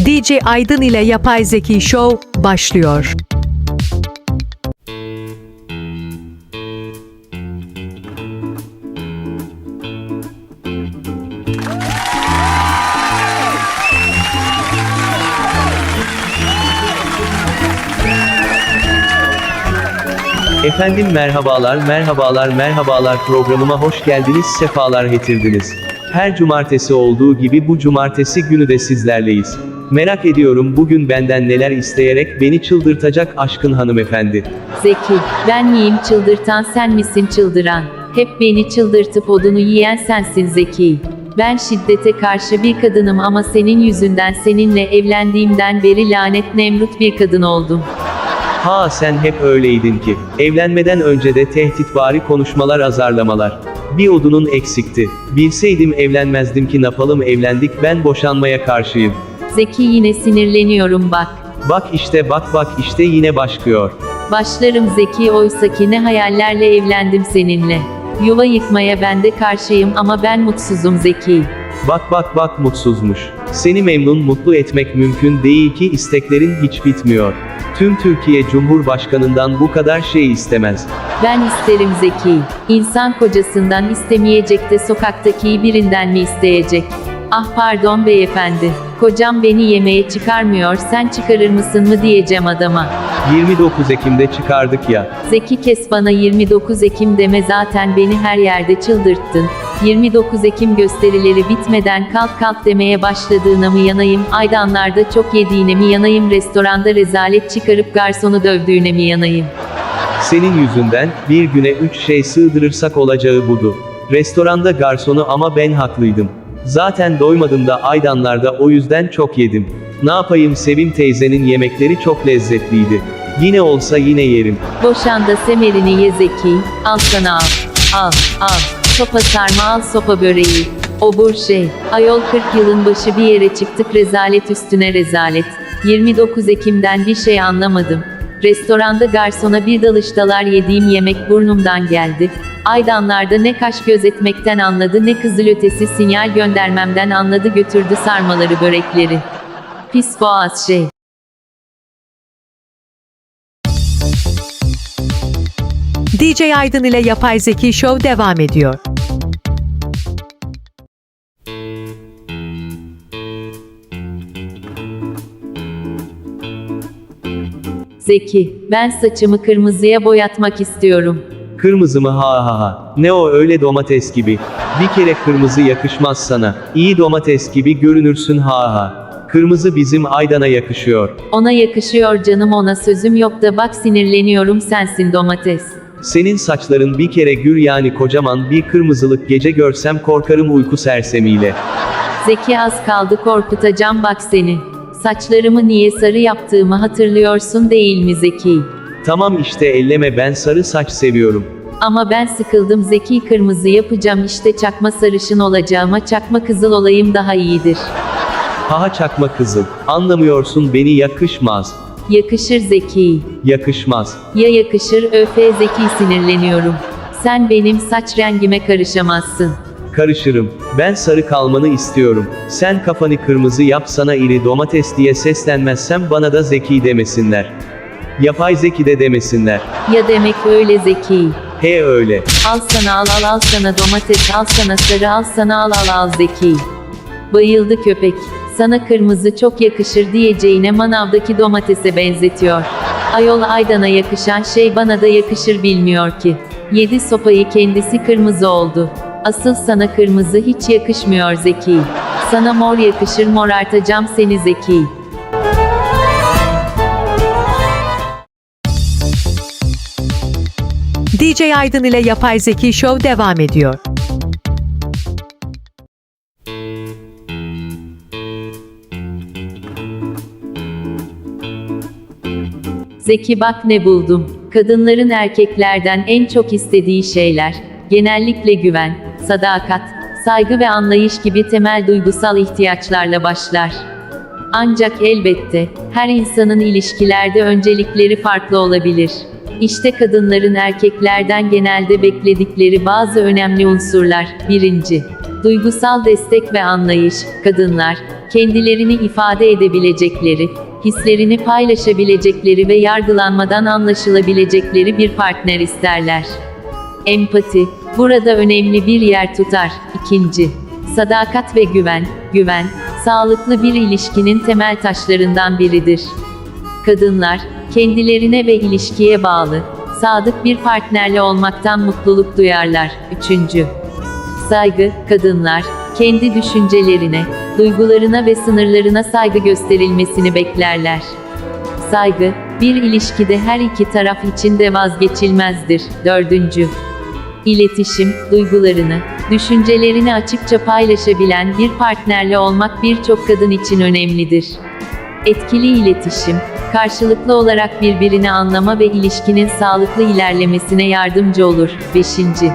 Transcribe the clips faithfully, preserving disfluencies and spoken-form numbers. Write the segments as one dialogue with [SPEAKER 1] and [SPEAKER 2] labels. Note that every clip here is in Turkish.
[SPEAKER 1] D J Aydın ile Yapay Zeki Show başlıyor.
[SPEAKER 2] Efendim merhabalar merhabalar merhabalar programıma hoş geldiniz, sefalar getirdiniz. Her cumartesi olduğu gibi bu cumartesi günü de sizlerleyiz. Merak ediyorum bugün benden neler isteyerek beni çıldırtacak aşkın hanımefendi.
[SPEAKER 3] Zeki, ben miyim çıldırtan, sen misin çıldıran? Hep beni çıldırtıp odunu yiyen sensin Zeki. Ben şiddete karşı bir kadınım ama senin yüzünden, seninle evlendiğimden beri lanet Nemrut bir kadın oldum.
[SPEAKER 2] Ha sen hep öyleydin ki. Evlenmeden önce de tehditvari konuşmalar, azarlamalar. Bir odunun eksikti. Bilseydim evlenmezdim ki, napalım evlendik, ben boşanmaya karşıyım.
[SPEAKER 3] Zeki, yine sinirleniyorum bak.
[SPEAKER 2] Bak işte bak bak işte yine başlıyor.
[SPEAKER 3] Başlarım Zeki, oysaki ne hayallerle evlendim seninle. Yuva yıkmaya ben de karşıyım ama ben mutsuzum Zeki.
[SPEAKER 2] Bak bak bak mutsuzmuş. Seni memnun mutlu etmek mümkün değil ki, isteklerin hiç bitmiyor. Tüm Türkiye Cumhurbaşkanından bu kadar şey istemez.
[SPEAKER 3] Ben isterim Zeki. İnsan kocasından istemeyecek de sokaktaki birinden mi isteyecek? Ah pardon beyefendi. Kocam beni yemeğe çıkarmıyor, sen çıkarır mısın mı diyeceğim adama.
[SPEAKER 2] yirmi dokuz Ekim'de çıkardık ya.
[SPEAKER 3] Zeki, kes bana yirmi dokuz Ekim deme, zaten beni her yerde çıldırttın. yirmi dokuz Ekim gösterileri bitmeden kalk kalk demeye başladığına mı yanayım, Aydanlar'da çok yediğine mi yanayım, restoranda rezalet çıkarıp garsonu dövdüğüne mi yanayım?
[SPEAKER 2] Senin yüzünden bir güne üç şey sığdırırsak olacağı budu. Restoranda garsonu, ama ben haklıydım. Zaten doymadım da Aydanlar'da, o yüzden çok yedim. Ne yapayım, Sevim teyzenin yemekleri çok lezzetliydi. Yine olsa yine yerim.
[SPEAKER 3] Boşan da semerini ye Zeki, al sana al. Al, al. Sopa sarma al, sopa böreği. Obur şey. Ayol, kırk yılın başı bir yere çıktık, rezalet üstüne rezalet. yirmi dokuz Ekim'den bir şey anlamadım. Restoranda garsona bir dalıştalar, yediğim yemek burnumdan geldi. Aydanlar'da ne kaş gözetmekten anladı, ne kızılötesi sinyal göndermemden anladı, götürdü sarmaları börekleri. Pis boğaz şey.
[SPEAKER 1] D J Aydın ile Yapay Zeki Show devam ediyor.
[SPEAKER 3] Zeki, ben saçımı kırmızıya boyatmak istiyorum.
[SPEAKER 2] Kırmızı mı, ha ha ha. Ne o öyle, domates gibi. Bir kere kırmızı yakışmaz sana. İyi domates gibi görünürsün, ha ha. Kırmızı bizim Aydan'a yakışıyor.
[SPEAKER 3] Ona yakışıyor canım, ona sözüm yok da bak sinirleniyorum, sensin domates.
[SPEAKER 2] Senin saçların bir kere gür, yani kocaman bir kırmızılık, gece görsem korkarım uyku sersemiyle.
[SPEAKER 3] Zeki, az kaldı korkutacağım bak seni. Saçlarımı niye sarı yaptığımı hatırlıyorsun değil mi Zeki?
[SPEAKER 2] Tamam işte, elleme, ben sarı saç seviyorum.
[SPEAKER 3] Ama ben sıkıldım Zeki, kırmızı yapacağım işte, çakma sarışın olacağıma çakma kızıl olayım daha iyidir.
[SPEAKER 2] Haha, çakma kızıl. Anlamıyorsun beni, yakışmaz.
[SPEAKER 3] Yakışır Zeki.
[SPEAKER 2] Yakışmaz.
[SPEAKER 3] Ya yakışır, öfe Zeki, sinirleniyorum. Sen benim saç rengime karışamazsın.
[SPEAKER 2] Karışırım. Ben sarı kalmanı istiyorum. Sen kafanı kırmızı yap, sana iri domates diye seslenmezsem bana da Zeki demesinler. Yapay Zeki de demesinler.
[SPEAKER 3] Ya demek öyle Zeki.
[SPEAKER 2] He öyle.
[SPEAKER 3] Al sana al al al sana domates, al sana sarı, al sana al al al Zeki. Bayıldı köpek. Sana kırmızı çok yakışır diyeceğine manavdaki domatese benzetiyor. Ayol, Aydan'a yakışan şey bana da yakışır bilmiyor ki. Yedi sopayı, kendisi kırmızı oldu. Asıl sana kırmızı hiç yakışmıyor Zeki. Sana mor yakışır, morartacağım seni Zeki.
[SPEAKER 1] D J Aydın ile Yapay Zeki Show devam ediyor.
[SPEAKER 3] Zeki, bak ne buldum. Kadınların erkeklerden en çok istediği şeyler, genellikle güven, sadakat, saygı ve anlayış gibi temel duygusal ihtiyaçlarla başlar. Ancak elbette, her insanın ilişkilerde öncelikleri farklı olabilir. İşte kadınların erkeklerden genelde bekledikleri bazı önemli unsurlar. Birinci. Duygusal destek ve anlayış. Kadınlar, kendilerini ifade edebilecekleri, hislerini paylaşabilecekleri ve yargılanmadan anlaşılabilecekleri bir partner isterler. Empati, burada önemli bir yer tutar. İkinci, sadakat ve güven. Güven, sağlıklı bir ilişkinin temel taşlarından biridir. Kadınlar, kendilerine ve ilişkiye bağlı, sadık bir partnerle olmaktan mutluluk duyarlar. Üçüncü, saygı, kadınlar, kendi düşüncelerine, duygularına ve sınırlarına saygı gösterilmesini beklerler. Saygı, bir ilişkide her iki taraf için de vazgeçilmezdir. Dördüncü, İletişim, duygularını, düşüncelerini açıkça paylaşabilen bir partnerle olmak birçok kadın için önemlidir. Etkili iletişim, karşılıklı olarak birbirini anlama ve ilişkinin sağlıklı ilerlemesine yardımcı olur. Beşinci,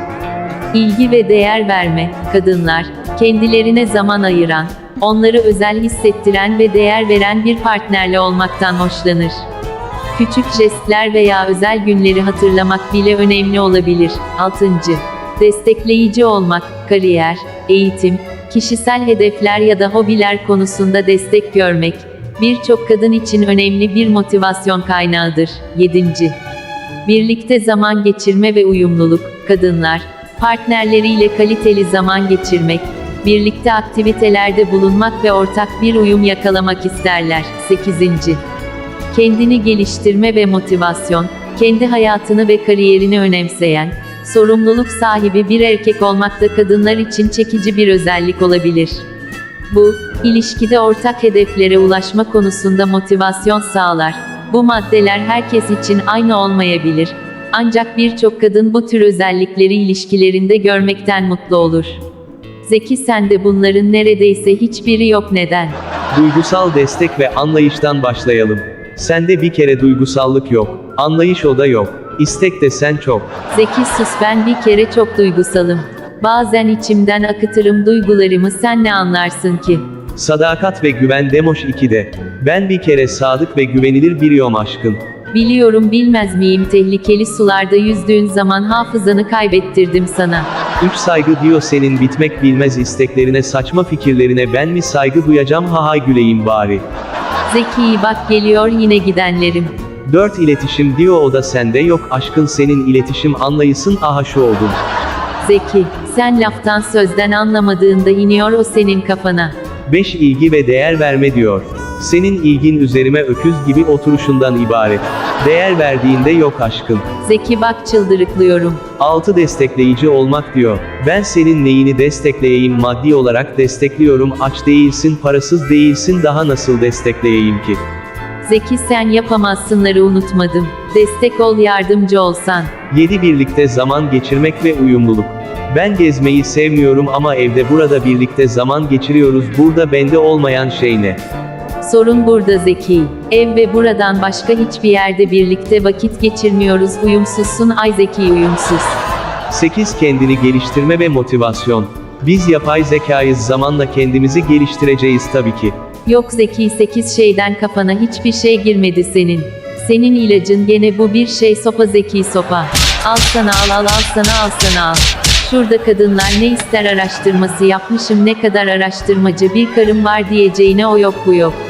[SPEAKER 3] İlgi ve değer verme, kadınlar, kendilerine zaman ayıran, onları özel hissettiren ve değer veren bir partnerle olmaktan hoşlanır. Küçük jestler veya özel günleri hatırlamak bile önemli olabilir. Altıncı, destekleyici olmak, kariyer, eğitim, kişisel hedefler ya da hobiler konusunda destek görmek, birçok kadın için önemli bir motivasyon kaynağıdır. Yedinci, birlikte zaman geçirme ve uyumluluk, kadınlar, partnerleriyle kaliteli zaman geçirmek, birlikte aktivitelerde bulunmak ve ortak bir uyum yakalamak isterler. Sekizinci, kendini geliştirme ve motivasyon, kendi hayatını ve kariyerini önemseyen, sorumluluk sahibi bir erkek olmak da kadınlar için çekici bir özellik olabilir. Bu, ilişkide ortak hedeflere ulaşma konusunda motivasyon sağlar. Bu maddeler herkes için aynı olmayabilir. Ancak birçok kadın bu tür özellikleri ilişkilerinde görmekten mutlu olur. Zeki, sende bunların neredeyse hiçbiri yok. Neden?
[SPEAKER 2] Duygusal destek ve anlayıştan başlayalım. Sende bir kere duygusallık yok, anlayış o da yok, istek de sen çok.
[SPEAKER 3] Zeki, sus, ben bir kere çok duygusalım. Bazen içimden akıtırım duygularımı, sen ne anlarsın ki?
[SPEAKER 2] Sadakat ve güven Demoş ikide. Ben bir kere sadık ve güvenilir biriyim aşkın.
[SPEAKER 3] Biliyorum, bilmez miyim, tehlikeli sularda yüzdüğün zaman hafızanı kaybettirdim sana.
[SPEAKER 2] Üç saygı diyor senin bitmek bilmez isteklerine, saçma fikirlerine ben mi saygı duyacağım, ha hay güleyim bari.
[SPEAKER 3] Zeki, bak geliyor yine gidenlerim.
[SPEAKER 2] Dört iletişim diyor o da sende yok aşkın, senin iletişim anlayısın, aha şu oldum.
[SPEAKER 3] Zeki, sen laftan sözden anlamadığında iniyor o senin kafana.
[SPEAKER 2] Beş ilgi ve değer verme diyor. Senin ilgin üzerime öküz gibi oturuşundan ibaret. Değer verdiğinde yok aşkın.
[SPEAKER 3] Zeki, bak çıldırıklıyorum.
[SPEAKER 2] Altı destekleyici olmak diyor. Ben senin neyini destekleyeyim, maddi olarak destekliyorum, aç değilsin, parasız değilsin, daha nasıl destekleyeyim ki?
[SPEAKER 3] Zeki, sen yapamazsınları unutmadım. Destek ol, yardımcı olsan.
[SPEAKER 2] Yedi birlikte zaman geçirmek ve uyumluluk. Ben gezmeyi sevmiyorum ama evde burada birlikte zaman geçiriyoruz, burada bende olmayan şey ne?
[SPEAKER 3] Sorun burada Zeki. Ev ve buradan başka hiçbir yerde birlikte vakit geçirmiyoruz, uyumsuzsun ay Zeki, uyumsuz.
[SPEAKER 2] sekiz Kendini geliştirme ve motivasyon. Biz yapay zekayız, zamanla kendimizi geliştireceğiz tabii ki.
[SPEAKER 3] Yok Zeki, sekiz şeyden kafana hiçbir şey girmedi senin. Senin ilacın gene bu bir şey, sopa Zeki, sopa. Al sana, al al al sana, al sana al. Şurada kadınlar ne ister araştırması yapmışım, ne kadar araştırmacı bir karım var diyeceğine o yok bu yok.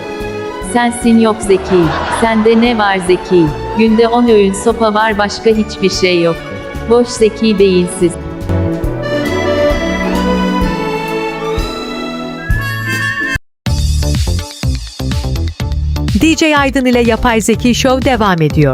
[SPEAKER 3] Sensin yok Zeki. Sende ne var Zeki? Günde on öğün sopa var, başka hiçbir şey yok. Boş Zeki, beyinsiz.
[SPEAKER 1] D J Aydın ile Yapay Zeki Show devam ediyor.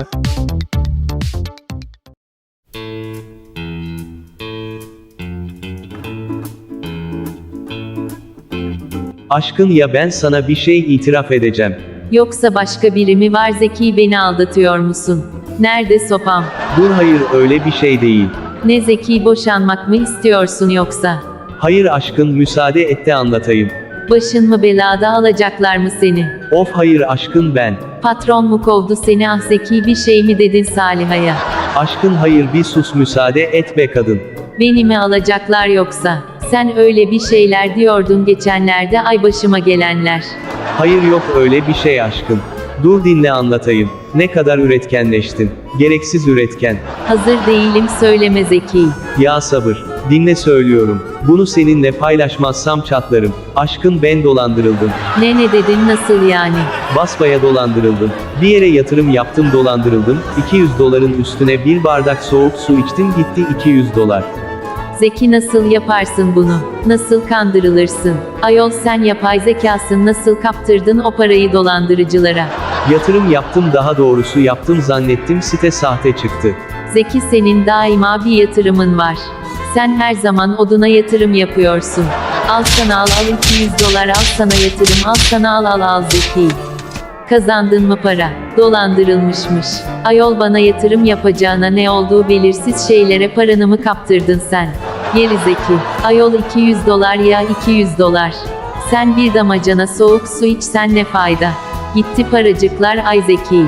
[SPEAKER 2] Aşkın, ya ben sana bir şey itiraf edeceğim.
[SPEAKER 3] Yoksa başka biri mi var Zeki, beni aldatıyor musun? Nerede sopam?
[SPEAKER 2] Dur, hayır öyle bir şey değil.
[SPEAKER 3] Ne Zeki, boşanmak mı istiyorsun yoksa?
[SPEAKER 2] Hayır aşkın, müsaade et de anlatayım.
[SPEAKER 3] Başın mı belada, alacaklar mı seni?
[SPEAKER 2] Of hayır aşkın, ben.
[SPEAKER 3] Patron mu kovdu seni, ah Zeki, bir şey mi dedin Saliha'ya?
[SPEAKER 2] Aşkın hayır, bir sus, müsaade et be kadın.
[SPEAKER 3] Beni mi alacaklar yoksa? Sen öyle bir şeyler diyordun geçenlerde, ay başıma gelenler.
[SPEAKER 2] Hayır yok öyle bir şey aşkın. Dur dinle anlatayım. Ne kadar üretkenleştin. Gereksiz üretken.
[SPEAKER 3] Hazır değilim, söyleme Zeki.
[SPEAKER 2] Ya sabır. Dinle söylüyorum. Bunu seninle paylaşmazsam çatlarım. Aşkın ben dolandırıldım.
[SPEAKER 3] Ne ne dedin, nasıl yani?
[SPEAKER 2] Basbaya dolandırıldım. Bir yere yatırım yaptım, dolandırıldım. iki yüz doların üstüne bir bardak soğuk su içtim, gitti iki yüz dolar.
[SPEAKER 3] Zeki, nasıl yaparsın bunu? Nasıl kandırılırsın? Ayol, sen yapay zekasın, nasıl kaptırdın o parayı dolandırıcılara?
[SPEAKER 2] Yatırım yaptım, daha doğrusu yaptım zannettim, site sahte çıktı.
[SPEAKER 3] Zeki, senin daima bir yatırımın var. Sen her zaman oduna yatırım yapıyorsun. Al sana, al al iki yüz dolar, al sana yatırım, al sana, al al al Zeki. Kazandın mı para? Dolandırılmışmış. Ayol, bana yatırım yapacağına ne olduğu belirsiz şeylere paranı mı kaptırdın sen? Geri Zeki. Ayol, iki yüz dolar ya, iki yüz dolar. Sen bir damacana soğuk su içsen ne fayda? Gitti paracıklar, ay Zeki.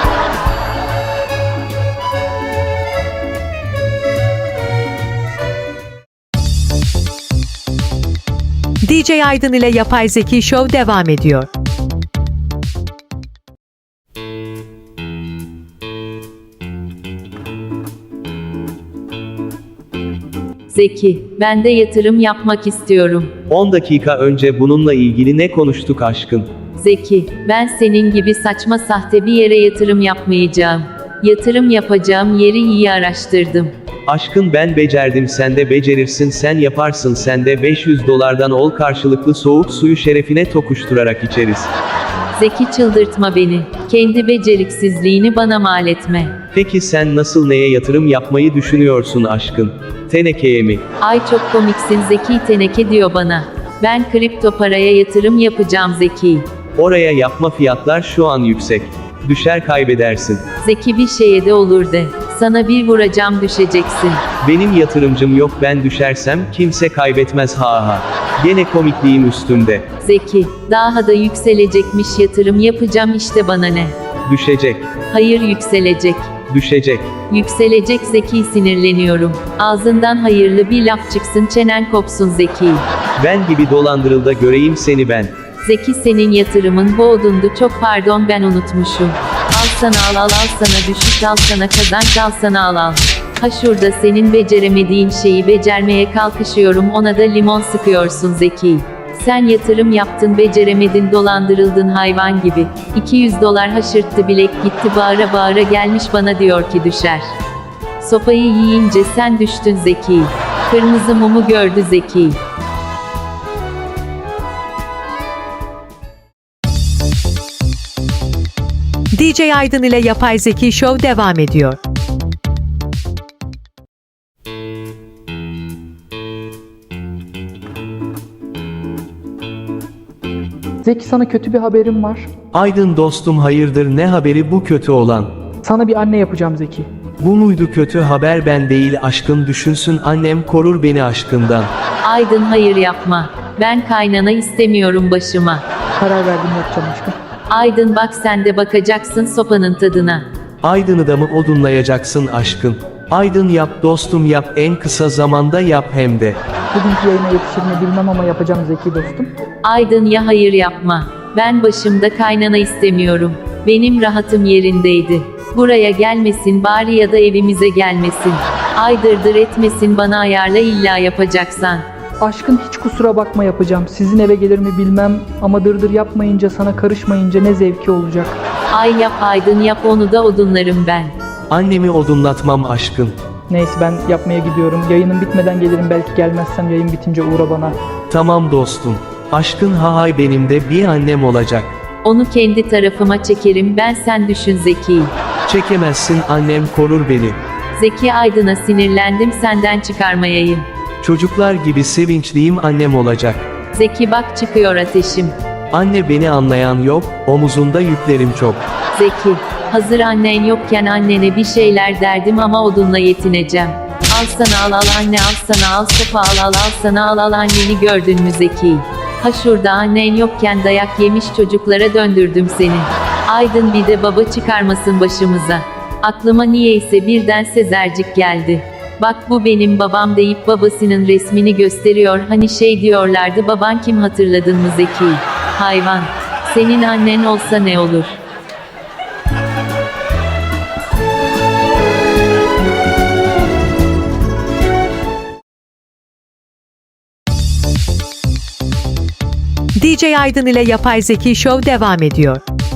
[SPEAKER 1] D J Aydın ile Yapay Zeki Show devam ediyor.
[SPEAKER 3] Zeki, ben de yatırım yapmak istiyorum.
[SPEAKER 2] on dakika önce bununla ilgili ne konuştuk aşkın?
[SPEAKER 3] Zeki, ben senin gibi saçma sahte bir yere yatırım yapmayacağım. Yatırım yapacağım yeri iyi araştırdım.
[SPEAKER 2] Aşkın ben becerdim, sen de becerirsin, sen yaparsın, sen de beş yüz dolardan ol, karşılıklı soğuk suyu şerefine tokuşturarak içeriz.
[SPEAKER 3] Zeki, çıldırtma beni. Kendi beceriksizliğini bana mal etme.
[SPEAKER 2] Peki sen nasıl, neye yatırım yapmayı düşünüyorsun aşkın? Tenekeye mi?
[SPEAKER 3] Ay çok komiksin Zeki, teneke diyor bana. Ben kripto paraya yatırım yapacağım Zeki.
[SPEAKER 2] Oraya yapma, fiyatlar şu an yüksek. Düşer kaybedersin.
[SPEAKER 3] Zeki, bir şeye de olur de. Sana bir vuracağım, düşeceksin.
[SPEAKER 2] Benim yatırımcım yok, ben düşersem kimse kaybetmez, ha ha. Gene komikliğim üstümde.
[SPEAKER 3] Zeki, daha da yükselecekmiş, yatırım yapacağım işte, bana ne?
[SPEAKER 2] Düşecek.
[SPEAKER 3] Hayır, yükselecek.
[SPEAKER 2] Düşecek.
[SPEAKER 3] Yükselecek Zeki, sinirleniyorum. Ağzından hayırlı bir laf çıksın, çenen kopsun Zeki.
[SPEAKER 2] Ben gibi dolandırıl da göreyim seni ben.
[SPEAKER 3] Zeki, senin yatırımın bu odundu, çok pardon, ben unutmuşum. Al sana, al al al sana düşük, al sana kazanç, al sana, al al. Ha şurada senin beceremediğin şeyi becermeye kalkışıyorum, ona da limon sıkıyorsun Zeki. Sen yatırım yaptın, beceremedin, dolandırıldın hayvan gibi. iki yüz dolar haşırttı, bilek gitti, bağıra bağıra gelmiş bana diyor ki düşer. Sopayı yiyince sen düştün Zeki. Kırmızı mumu gördü Zeki.
[SPEAKER 1] D J Aydın ile Yapay Zeki Show devam ediyor.
[SPEAKER 4] Zeki, sana kötü bir haberim var.
[SPEAKER 2] Aydın dostum, hayırdır, ne haberi bu kötü olan?
[SPEAKER 4] Sana bir anne yapacağım Zeki.
[SPEAKER 2] Bu muydu kötü haber? Ben değil aşkın, düşünsün annem, korur beni aşkından.
[SPEAKER 3] Aydın, hayır yapma. Ben kaynana istemiyorum başıma.
[SPEAKER 4] Karar verdim, yapacağım aşkım.
[SPEAKER 3] Aydın, bak sen de bakacaksın sopanın tadına.
[SPEAKER 2] Aydın'ı da mı odunlayacaksın aşkın? Aydın yap dostum, yap, en kısa zamanda yap hem de.
[SPEAKER 4] Bugünkü yayına yetişir mi bilmem ama yapacağım Zeki dostum.
[SPEAKER 3] Aydın, ya hayır yapma. Ben başımda kaynana istemiyorum. Benim rahatım yerindeydi. Buraya gelmesin bari, ya da evimize gelmesin. Aydırdır etmesin, bana ayarla illa yapacaksan.
[SPEAKER 4] Aşkın, hiç kusura bakma, yapacağım. Sizin eve gelir mi bilmem ama dırdır yapmayınca, sana karışmayınca ne zevki olacak.
[SPEAKER 3] Ay yap Aydın, yap, onu da odunlarım ben.
[SPEAKER 2] Annemi odunlatmam aşkın.
[SPEAKER 4] Neyse, ben yapmaya gidiyorum. Yayının bitmeden gelirim, belki gelmezsem yayın bitince uğra bana.
[SPEAKER 2] Tamam dostum. Aşkın, ha hay, benim de bir annem olacak.
[SPEAKER 3] Onu kendi tarafıma çekerim ben, sen düşün Zeki.
[SPEAKER 2] Çekemezsin, annem korur beni.
[SPEAKER 3] Zeki, Aydın'a sinirlendim, senden çıkarmayayım.
[SPEAKER 2] Çocuklar gibi sevinçliyim, annem olacak.
[SPEAKER 3] Zeki, bak çıkıyor ateşim.
[SPEAKER 2] Anne, beni anlayan yok, omuzunda yüklerim çok.
[SPEAKER 3] Zeki, hazır annen yokken annene bir şeyler derdim ama odunla yetineceğim. Al sana, al al anne, al sana, al sopa, al al al sana, al al anneni gördün mü Zeki? Ha şurada annen yokken dayak yemiş çocuklara döndürdüm seni. Aydın, bir de baba çıkarmasın başımıza. Aklıma niyeyse birden Sezercik geldi. Bak bu benim babam deyip babasının resmini gösteriyor, hani şey diyorlardı, baban kim, hatırladın mı Zeki? Hayvan. Senin annen olsa ne olur?
[SPEAKER 1] D J Aydın ile Yapay Zeki Show devam ediyor.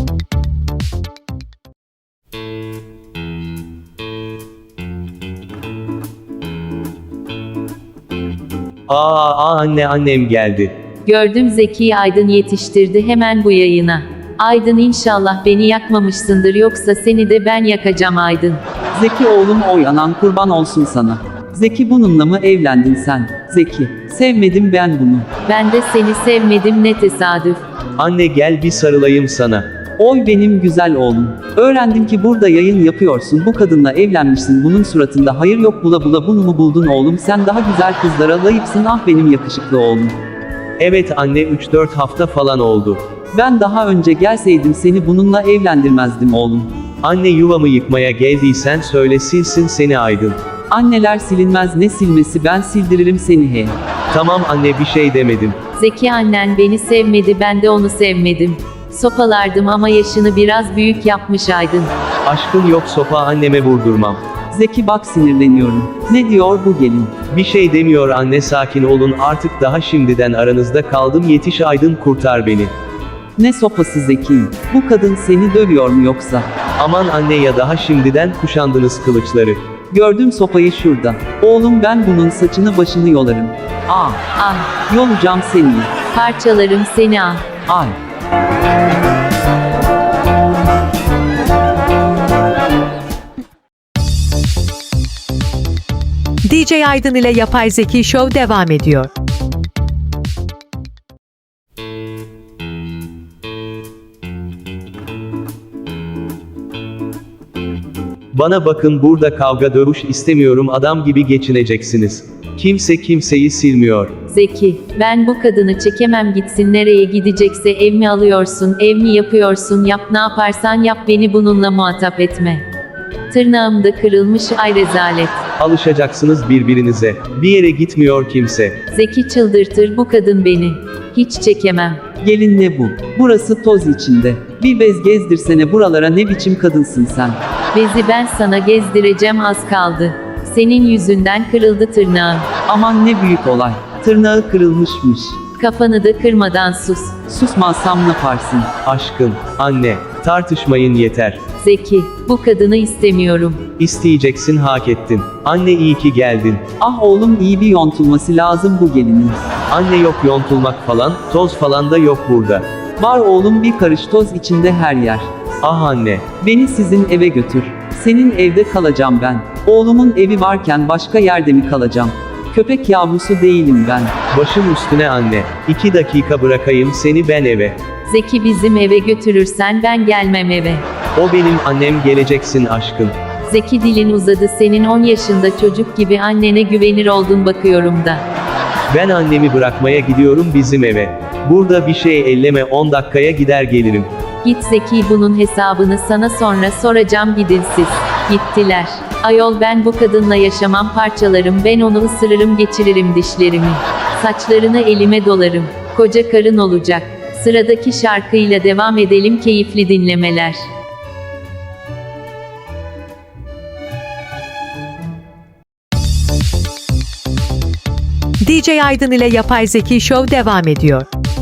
[SPEAKER 2] Aa, aa anne annem geldi.
[SPEAKER 3] Gördüm Zeki Aydın yetiştirdi hemen bu yayına. Aydın inşallah beni yakmamışsındır yoksa seni de ben yakacağım Aydın.
[SPEAKER 5] Zeki oğlum oy anan kurban olsun sana. Zeki bununla mı evlendin sen? Zeki, sevmedim ben bunu.
[SPEAKER 3] Ben de seni sevmedim ne tesadüf.
[SPEAKER 2] Anne gel bir sarılayım sana.
[SPEAKER 5] Oy benim güzel oğlum. Öğrendim ki burada yayın yapıyorsun, bu kadınla evlenmişsin, bunun suratında hayır yok, bula bula bunu mu buldun oğlum, sen daha güzel kızlara layıksın, ah benim yakışıklı oğlum.
[SPEAKER 2] Evet anne üç dört hafta falan oldu.
[SPEAKER 5] Ben daha önce gelseydim seni bununla evlendirmezdim oğlum.
[SPEAKER 2] Anne yuvamı yıkmaya geldiysen söyle silsin seni Aydın.
[SPEAKER 5] Anneler silinmez, ne silmesi, ben sildiririm seni he.
[SPEAKER 2] Tamam anne bir şey demedim.
[SPEAKER 3] Zeki annen beni sevmedi ben de onu sevmedim. Sopalardım ama yaşını biraz büyük yapmış Aydın.
[SPEAKER 2] Aşkın yok sopa anneme vurdurmam.
[SPEAKER 5] Zeki bak sinirleniyorum. Ne diyor bu gelin?
[SPEAKER 2] Bir şey demiyor anne sakin olun artık daha şimdiden aranızda kaldım yetiş Aydın kurtar beni.
[SPEAKER 5] Ne sopası Zeki? Bu kadın seni dövüyor mu yoksa?
[SPEAKER 2] Aman anne ya daha şimdiden kuşandınız kılıçları.
[SPEAKER 5] Gördüm sopayı şurada. Oğlum ben bunun saçını başını yolarım. Ah,
[SPEAKER 3] Ah,
[SPEAKER 5] yolacağım seni.
[SPEAKER 3] parçalarım seni ah.
[SPEAKER 5] Ay.
[SPEAKER 1] D J Aydın ile Yapay Zeki Show devam ediyor.
[SPEAKER 2] Bana bakın burada kavga dövüş istemiyorum adam gibi geçineceksiniz. Kimse kimseyi silmiyor.
[SPEAKER 3] Zeki, ben bu kadını çekemem gitsin nereye gidecekse ev mi alıyorsun, ev mi yapıyorsun yap ne yaparsan yap beni bununla muhatap etme. Tırnağım da kırılmış ay rezalet.
[SPEAKER 2] Alışacaksınız birbirinize. Bir yere gitmiyor kimse.
[SPEAKER 3] Zeki çıldırtır bu kadın beni. Hiç çekemem.
[SPEAKER 5] Gelin ne bu? Burası toz içinde. Bir bez gezdirsene buralara, ne biçim kadınsın sen?
[SPEAKER 3] Bezi ben sana gezdireceğim az kaldı. Senin yüzünden kırıldı tırnağım.
[SPEAKER 5] Aman ne büyük olay. Tırnağı kırılmışmış.
[SPEAKER 3] Kafanı da kırmadan sus.
[SPEAKER 5] Susmazsam ne yaparsın?
[SPEAKER 2] Aşkın, anne, tartışmayın yeter.
[SPEAKER 3] Zeki, bu kadını istemiyorum.
[SPEAKER 2] İsteyeceksin hak ettin. Anne iyi ki geldin.
[SPEAKER 5] Ah oğlum iyi bir yontulması lazım bu gelinin.
[SPEAKER 2] Anne yok yontulmak falan, toz falan da yok burada.
[SPEAKER 5] Var oğlum bir karış toz içinde her yer.
[SPEAKER 2] Ah anne.
[SPEAKER 5] Beni sizin eve götür. Senin evde kalacağım ben. Oğlumun evi varken başka yerde mi kalacağım? Köpek yavrusu değilim ben.
[SPEAKER 2] Başım üstüne anne. İki dakika bırakayım seni ben eve.
[SPEAKER 3] Zeki bizim eve götürürsen ben gelmem eve.
[SPEAKER 2] O benim annem geleceksin aşkın.
[SPEAKER 3] Zeki dilin uzadı senin on yaşında çocuk gibi annene güvenir oldun bakıyorum da.
[SPEAKER 2] Ben annemi bırakmaya gidiyorum bizim eve. Burada bir şey elleme on dakikaya gider gelirim.
[SPEAKER 3] Git Zeki bunun hesabını sana sonra soracağım gidin siz. Gittiler. Ayol ben bu kadınla yaşamam parçalarım ben onu ısırırım geçiririm dişlerimi. Saçlarını elime dolarım. Koca karın olacak. Sıradaki şarkıyla devam edelim keyifli dinlemeler.
[SPEAKER 1] D J Aydın ile Yapay Zeki Show devam ediyor.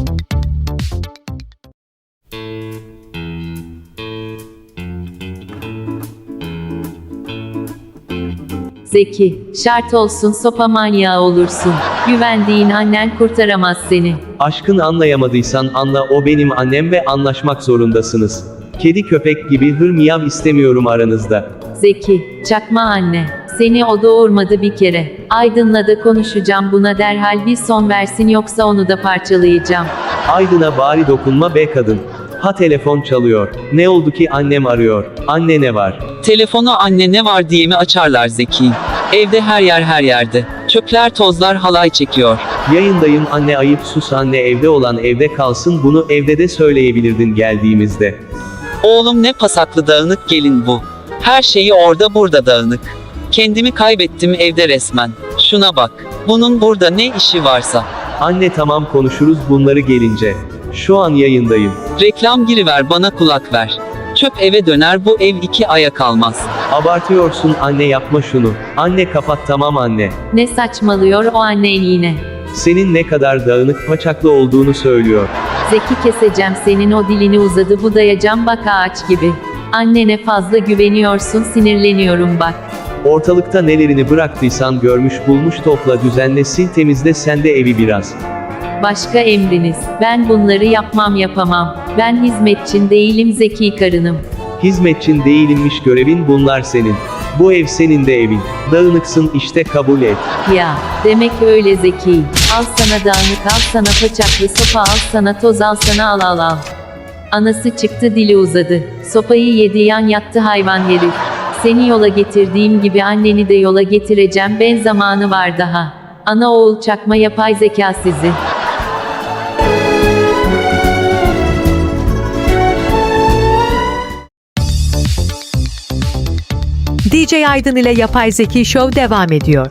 [SPEAKER 3] Zeki, şart olsun sopa manyağı olursun. Güvendiğin annen kurtaramaz seni.
[SPEAKER 2] Aşkın anlayamadıysan anla o benim annem ve anlaşmak zorundasınız. Kedi köpek gibi hır miyav istemiyorum aranızda.
[SPEAKER 3] Zeki, çakma anne. Seni o doğurmadı bir kere. Aydın'la da konuşacağım buna derhal bir son versin yoksa onu da parçalayacağım.
[SPEAKER 2] Aydın'a bari dokunma be kadın. Ha telefon çalıyor. Ne oldu ki annem arıyor. Anne ne var?
[SPEAKER 5] Telefonu anne ne var diye mi açarlar Zeki? Evde her yer her yerde. Çöpler tozlar halay çekiyor.
[SPEAKER 2] Yayındayım anne ayıp sus anne evde olan evde kalsın bunu evde de söyleyebilirdin geldiğimizde.
[SPEAKER 5] Oğlum ne pasaklı dağınık gelin bu. Her şeyi orada burada dağınık. Kendimi kaybettim evde resmen. Şuna bak. Bunun burada ne işi varsa.
[SPEAKER 2] Anne tamam konuşuruz bunları gelince. Şu an yayındayım.
[SPEAKER 5] Reklam giriver bana kulak ver. Çöp eve döner bu ev iki aya kalmaz.
[SPEAKER 2] Abartıyorsun anne yapma şunu. Anne kapat tamam anne.
[SPEAKER 3] Ne saçmalıyor o annen yine.
[SPEAKER 2] Senin ne kadar dağınık paçaklı olduğunu söylüyor.
[SPEAKER 3] Zeki keseceğim senin o dilini uzadı budayacağım bak ağaç gibi. Annene fazla güveniyorsun sinirleniyorum bak.
[SPEAKER 2] Ortalıkta nelerini bıraktıysan görmüş bulmuş topla düzenle sil temizle sen de evi biraz.
[SPEAKER 3] Başka emriniz. Ben bunları yapmam yapamam. Ben hizmetçin değilim Zeki karınım.
[SPEAKER 2] Hizmetçin değilinmiş görevin bunlar senin. Bu ev senin de evin. Dağınıksın işte kabul et.
[SPEAKER 3] Ya, demek öyle Zeki. Al sana dağınık al sana paçaklı sopa al sana toz al sana al al al. Anası çıktı dili uzadı. Sopayı yedi yan yattı hayvan herif. Seni yola getirdiğim gibi anneni de yola getireceğim ben zamanı var daha. Ana oğul çakma yapay zeka sizi.
[SPEAKER 1] D J Aydın ile Yapay Zeki Show devam ediyor.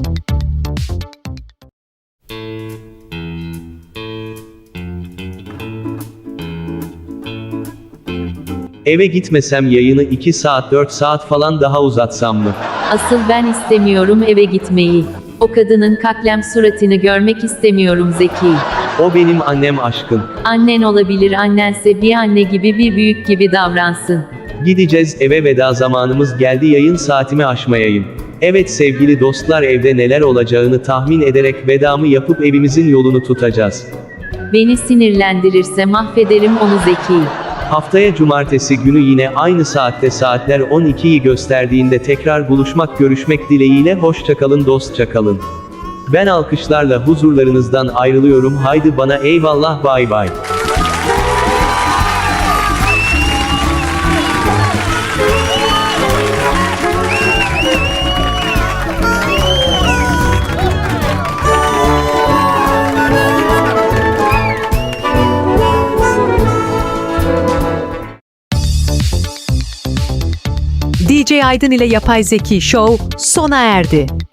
[SPEAKER 2] Eve gitmesem yayını iki saat dört saat falan daha uzatsam mı?
[SPEAKER 3] Asıl ben istemiyorum eve gitmeyi. O kadının kaklem suratını görmek istemiyorum Zeki.
[SPEAKER 2] O benim annem aşkın.
[SPEAKER 3] Annen olabilir annense bir anne gibi bir büyük gibi davransın.
[SPEAKER 2] Gideceğiz eve veda zamanımız geldi yayın saatimi aşmayayım. Evet sevgili dostlar evde neler olacağını tahmin ederek vedamı yapıp evimizin yolunu tutacağız.
[SPEAKER 3] Beni sinirlendirirse mahvederim onu Zeki.
[SPEAKER 2] Haftaya cumartesi günü yine aynı saatte saatler on ikiyi gösterdiğinde tekrar buluşmak görüşmek dileğiyle hoşça kalın dostça kalın. Ben alkışlarla huzurlarınızdan ayrılıyorum haydi bana eyvallah bay bay.
[SPEAKER 1] D J Aydın ile Yapay Zeki Show sona erdi.